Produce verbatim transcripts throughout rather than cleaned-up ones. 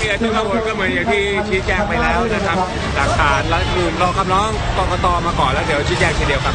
ทุกคนก็เหมือนอย่างที่ชี้แจงไปแล้วนะครับหลักฐานและคือรอคำร้องกกตมาก่อนแล้วเดี๋ยวชี้แจงทีเดียวครับ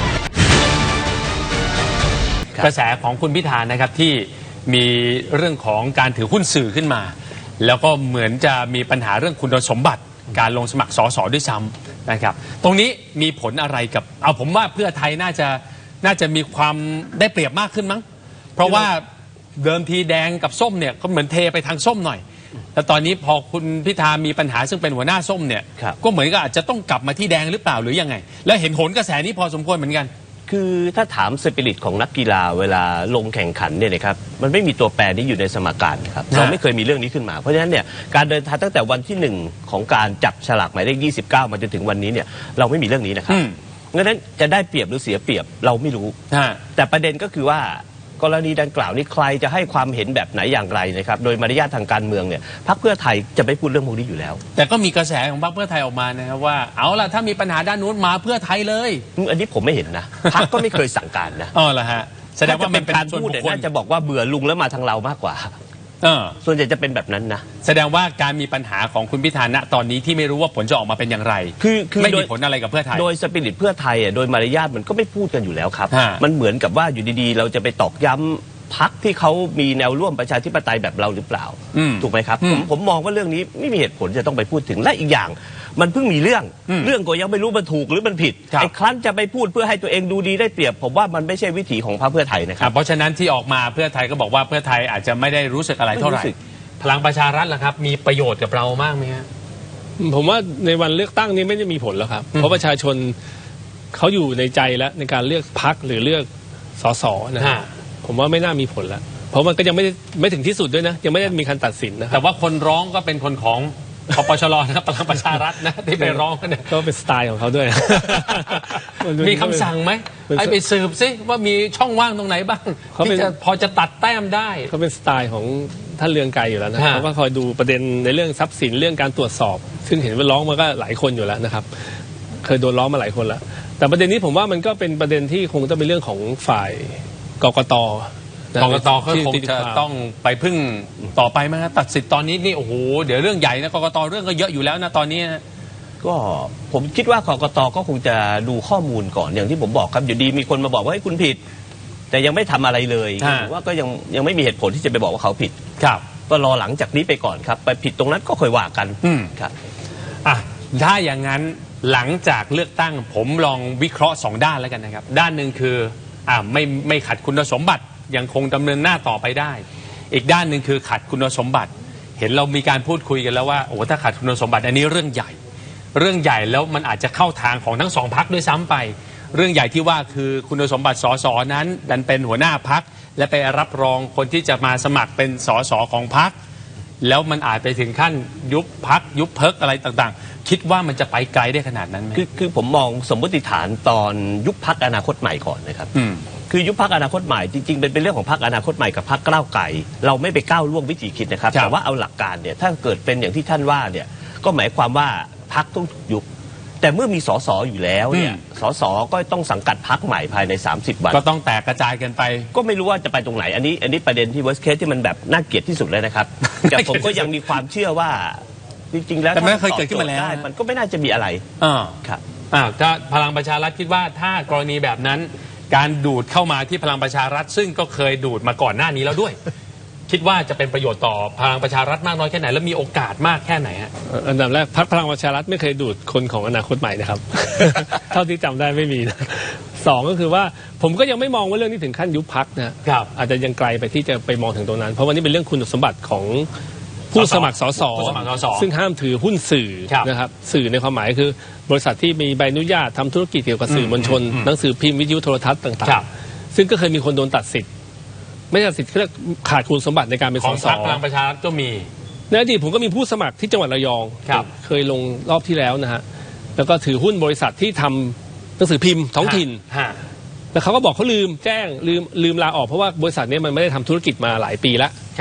กระแสของคุณพิธานะครับที่มีเรื่องของการถือหุ้นสื่อขึ้นมาแล้วก็เหมือนจะมีปัญหาเรื่องคุณสมบัติการลงสมัครสสด้วยซ้ำนะครับตรงนี้มีผลอะไรกับเอาผมว่าเพื่อไทยน่าจะน่าจะมีความได้เปรียบมากขึ้นมั้งเพราะว่าเดิมทีแดงกับส้มเนี่ยก็เหมือนเทไปทางส้มหน่อยแต่ตอนนี้พอคุณพิธามีปัญหาซึ่งเป็นหัวหน้าส้มเนี่ยก็เหมือนกับอาจจะต้องกลับมาที่แดงหรือเปล่าหรือยังไงแล้วเห็นโหนกระแสนี้พอสมควรเหมือนกันคือถ้าถามสปิริตของนักกีฬาเวลาลงแข่งขันเนี่ยนะครับมันไม่มีตัวแปรนี้อยู่ในสมการครับเราไม่เคยมีเรื่องนี้ขึ้นมาเพราะฉะนั้นเนี่ยการเดินทางตั้งแต่วันที่หนึ่งของการจับฉลากหมายเลขยี่สิบเก้ามาจนถึงวันนี้เนี่ยเราไม่มีเรื่องนี้นะครับงั้นจะได้เปรียบหรือเสียเปรียบเราไม่รู้แต่ประเด็นก็คือว่ากรณีดังกล่าวนี้ใครจะให้ความเห็นแบบไหนอย่างไรนะครับโดยมารยาททางการเมืองเนี่ยพรรคเพื่อไทยจะไม่พูดเรื่องพวกนี้อยู่แล้วแต่ก็มีกระแสของพรรคเพื่อไทยออกมานะครับว่าเอาล่ะถ้ามีปัญหาด้านนู้นมาเพื่อไทยเลยอันนี้ผมไม่เห็นนะพรรคก็ไม่เคยสั่งการนะอ๋อเหรอฮะแสดงว่าเป็นการพูดน่าจะบอกว่าเบื่อลุงแล้วมาทางเรามากกว่าส่วนใหญ่จะเป็นแบบนั้นนะแสดงว่าการมีปัญหาของคุณพิธาณตอนนี้ที่ไม่รู้ว่าผลจะออกมาเป็นอย่างไรคือไม่มีผลอะไรกับเพื่อไทยโดยสปิริตเพื่อไทยอ่ะโดยมารยาทมันก็ไม่พูดกันอยู่แล้วครับมันเหมือนกับว่าอยู่ดีๆเราจะไปตอกย้ำพรรคที่เขามีแนวร่วมประชาธิปไตยแบบเราหรือเปล่าถูกไหมครับผมผมมองว่าเรื่องนี้ไม่มีเหตุผลจะต้องไปพูดถึงและอีกอย่างมันเพิ่งมีเรื่องเรื่องก็ยังไม่รู้มันถูกหรือมันผิดไอ้ครั้นจะไปพูดเพื่อให้ตัวเองดูดีได้เปรียบผมว่ามันไม่ใช่วิถีของพรรคเพื่อไทยนะครับเพราะฉะนั้นที่ออกมาเพื่อไทยก็บอกว่าเพื่อไทยอาจจะไม่ได้รู้สึกอะไรเท่าไหร่พลังประชารัฐล่ะครับมีประโยชน์กับเรามากไหมฮะผมว่าในวันเลือกตั้งนี้ไม่ได้มีผลแล้วครับเพราะประชาชนเขาอยู่ในใจแล้วในการเลือกพรรคหรือเลือกสสนะผมว่าไม่น่ามีผลแล้วเพราะมันก็ยังไม่ไม่ถึงที่สุดด้วยนะยังไม่ได้มีการตัดสินนะแต่ว่าคนร้องก็เป็นคนของคปชรนะครับพลังประชารัฐนะที่ไปร้องเนี่ยก็เป็นสไตล์ของเขาด้วยมีคำสั่งไหมไอ้ไปสืบซิว่ามีช่องว่างตรงไหนบ้างที่จะพอจะตัดแต้มได้เขาเป็นสไตล์ของท่านเรืองไกรอยู่แล้วนะเขาก็คอยดูประเด็นในเรื่องทรัพย์สินเรื่องการตรวจสอบซึ่งเห็นว่าร้องมาก็หลายคนอยู่แล้วนะครับเคยโดนร้องมาหลายคนแล้วแต่ประเด็นนี้ผมว่ามันก็เป็นประเด็นที่คงต้องเป็นเรื่องของฝ่ายกกตกกตก็คงจะต้องไปพึ่งต่อไปไหมครับตัดสิทธิ์ตอนนี้นี่โอ้โหเดี๋ยวเรื่องใหญ่นะกกตเรื่องก็เยอะอยู่แล้วนะตอนนี้ก็ผมคิดว่ากกตก็คงจะดูข้อมูลก่อนอย่างที่ผมบอกครับอยู่ดีมีคนมาบอกว่าให้คุณผิดแต่ยังไม่ทำอะไรเลยผมว่าก็ยังยังไม่มีเหตุผลที่จะไปบอกว่าเขาผิดครับก็รอหลังจากนี้ไปก่อนครับไปผิดตรงนั้นก็ค่อยว่ากันครับอ่ะถ้าอย่างนั้นหลังจากเลือกตั้งผมลองวิเคราะห์สองด้านแล้วกันนะครับด้านหนึ่งคืออ่าไม่ไม่ขัดคุณสมบัติยังคงดำเนินหน้าต่อไปได้อีกด้านหนึ่งคือขัดคุณสมบัติเห็นเรามีการพูดคุยกันแล้วว่าโอ้ถ้าขัดคุณสมบัติอันนี้เรื่องใหญ่เรื่องใหญ่แล้วมันอาจจะเข้าทางของทั้งสองพรรคด้วยซ้ำไปเรื่องใหญ่ที่ว่าคือคุณสมบัติสสนั้นดันเป็นหัวหน้าพรรคและไปรับรองคนที่จะมาสมัครเป็นสสของพรรคแล้วมันอาจไปถึงขั้นยุบพรรคยุบเพิกอะไรต่างๆคิดว่ามันจะไปไกลได้ขนาดนั้นไหมคือคือผมมองสมมติฐานตอนยุบพรรคอนาคตใหม่ก่อนนะครับคือยุบพรรคอนาคตใหม่จริงๆเป็นเป็นเรื่องของพรรคอนาคตใหม่กับพรรคก้าวไกลเราไม่ไปก้าวล่วงวิธีคิดนะครับแต่ว่าเอาหลักการเนี่ยถ้าเกิดเป็นอย่างที่ท่านว่าเนี่ยก็หมายความว่าพรรคต้องยุบแต่เมื่อมีสสอยู่แล้วเนี่ยสสก็ต้องสังกัดพรรคใหม่ภายในสามสิบวันก็ต้องแตกกระจายกันไปก็ไม่รู้ว่าจะไปตรงไหนอันนี้อันนี้ประเด็นที่ worst case ที่มันแบบน่าเกลียดที่สุดเลยนะครับแต่ผมก็ยังมีความเชื่อว่าจริงๆแล้วแต่ไม่เคยเกิดขึ้นมาแล้วมันก็ไม่น่าจะมีอะไรอ่าครับอ่าถ้าพลังประชารัฐคิดว่าถ้ากรณีแบบนั้นการดูดเข้ามาที่พลังประชารัฐซึ่งก็เคยดูดมาก่อนหน้านี้แล้วด้วยคิดว่าจะเป็นประโยชน์ต่อพลังประชารัฐมากน้อยแค่ไหนและมีโอกาสมากแค่ไหนฮะอันดับแรกพรรคพลังประชารัฐไม่เคยดูดคนของอนาคตใหม่นะครับ เท่าที่จำได้ไม่มีนะสองก็คือว่าผมก็ยังไม่มองว่าเรื่องนี้ถึงขั้นยุบพรรคนะครับอาจจะยังไกลไปที่จะไปมองถึงตรงนั้นเพราะวันนี้เป็นเรื่องคุณสมบัติของผู้สมัครสสซึ่งห้ามถือหุ้นสื่อนะครับสื่อในความหมายคือบริษัทที่มีใบอนุญาตทำธุรกิจเกี่ยวกับสื่อมวลชนหนังสือพิมพ์วิทยุโทรทัศน์ต่างๆซึ่งก็เคยมีคนโดนตัดสิทธิ์ไม่ตัดสิทธิ์เรียกขาดคุณสมบัติในการเป็นสสพลังประชารัฐก็มีในอดีตผมก็มีผู้สมัครที่จังหวัดระยองเคยลงรอบที่แล้วนะฮะแล้วก็ถือหุ้นบริษัทที่ทำหนังสือพิมพ์ท้องถิ่นแล้วเขาก็บอกเขาลืมแจ้งลืมลืมลาออกเพราะว่าบริษัทนี้มันไม่ได้ทำธุรกิจมาหลายปีแล้ว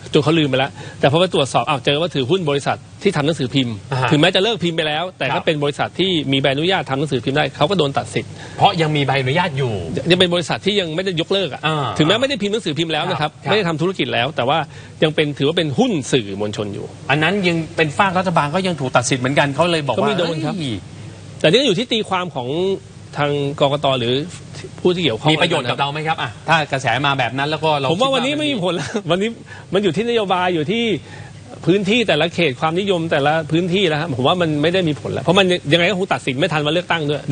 จนเขาลืมไปแล้วแต่พอไปตรวจสอบอ้าวเจอว่าถือหุ้นบริษัทที่ทำหนังสือพิมพ์อ่าฮะถึงแม้จะเลิกพิมพ์ไปแล้ว แต่ครัก็บเป็นบริษัทที่มีใบอนุญาตทำหนังสือพิมพ์ได้เขาก็โดนตัดสิทธิ์เพราะยังมีใบอนุญาตอยู่ยังเป็นบริษัทที่ยังไม่ได้ยกเลิกอ่ะอ่าถึงแม้ไม่ได้พิมพ์หนังสือพิมพ์แล้วนะครับครับไม่ได้ทำธุรกิจแล้ว แต่ว่ายังเป็นถือว่าเป็นหุ้นสื่อมวลชนอยู่อันนั้นยังเป็นฝากรัฐบาลก็ยังถูกตัดสิทธิ์เหมือนกันเขาเลยบอกก็ว่ามีโดนครับเอ้ยแต่นี่ก็อยู่ที่ตีความของทางกกตหรือผู้ที่เกี่ยวข้องมีประโยชน์กับเราไหมครับอ่ะถ้ากระแสมาแบบนั้นแล้วก็เราผมว่าคิดวันนี้ไม่มีผลแล้ว วันนี้มันอยู่ที่นโยบายอยู่ที่พื้นที่แต่ละเขตความนิยมแต่ละพื้นที่แล้วครับผมว่ามันไม่ได้มีผลแล้วเพราะมันยังไงก็คงตัดสินไม่ทันวันเลือกตั้งด้วย